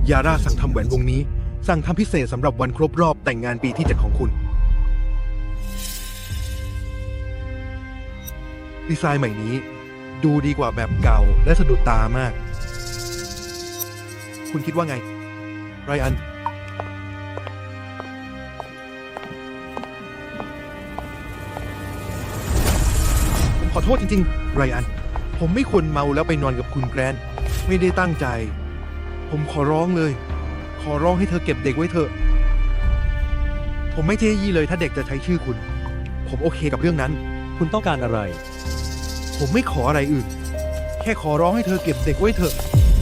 ยาร่าสั่งทำแหวนวงนี้ สั่งทำพิเศษสำหรับวันครบรอบแต่งงานปีที่ 7ของคุณดีไซน์ใหม่นี้ดูดีกว่าแบบเก่าและสะดุดตามากคุณคิดว่าไงไรอันผมขอโทษจริงๆไรอันผมไม่ควรเมาแล้วไปนอนกับคุณแกรนท์ไม่ได้ตั้งใจ ผมขอร้องเลย ขอร้องให้เธอเก็บเด็กไว้เถอะผมไม่เจ๊ยี่เลยถ้าเด็กจะใช้ชื่อคุณ ผมโอเคกับเรื่องนั้นคุณต้องการอะไรผมไม่ขออะไรอื่น แค่ขอร้องให้เธอเก็บเด็กไว้เถอะ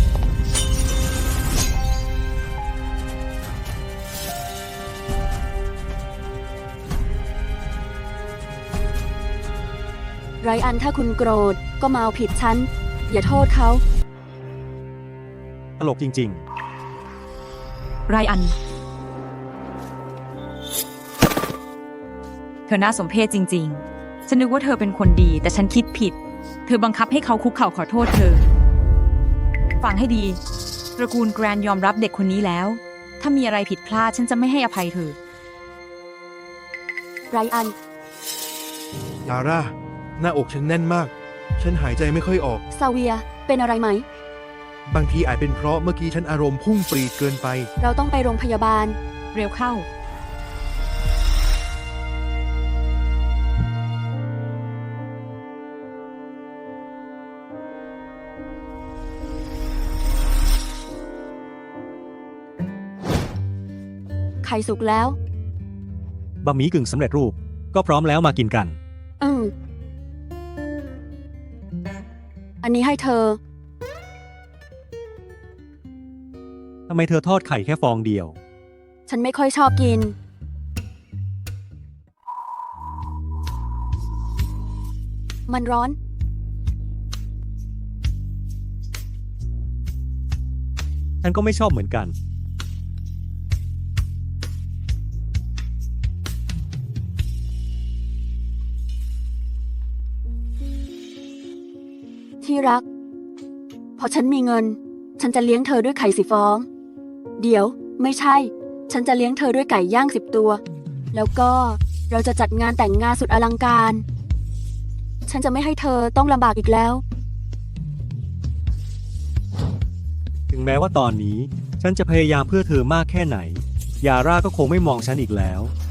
ไรอันถ้าคุณโกรธก็มาเอาผิดฉัน อย่าโทษเขาตลกจริงไรอัน เธอน่าสมเพชจริงๆ ฉันนึกว่าเธอเป็นคนดีแต่ฉันคิดผิด เธอบังคับให้เขาคุกเข่าขอโทษเธอ ฟังให้ดี ตระกูลแกรนยอมรับเด็กคนนี้แล้ว ถ้ามีอะไรผิดพลาดฉันจะไม่ให้อภัยเธอไรอันยาร่า หน้าอกฉันแน่นมาก ฉันหายใจไม่ค่อยออกซาเวีย เป็นอะไรไหมบางทีอาจเป็นเพราะเมื่อกี้ฉันอารมณ์พุ่งปรีดเกินไปเราต้องไปโรงพยาบาลเร็วเข้าไข่สุกแล้วๆ บะหมี่กึ่งสำเร็จรูป ก็พร้อมแล้วมากินกันอันนี้ให้เธอทำไมเธอทอดไข่แค่ฟองเดียวฉันไม่ค่อยชอบกิน มันร้อนฉันก็ไม่ชอบเหมือนกันที่รัก พอฉันมีเงิน ฉันจะเลี้ยงเธอด้วยไข่10 ฟอง เดี๋ยว ไม่ใช่ ฉันจะเลี้ยงเธอด้วยไก่ย่าง10 ตัว แล้วก็เราจะจัดงานแต่งงานสุดอลังการ ฉันจะไม่ให้เธอต้องลำบากอีกแล้วถึงแม้ว่าตอนนี้ ฉันจะพยายามเพื่อเธอมากแค่ไหน ยาร่าก็คงไม่มองฉันอีกแล้ว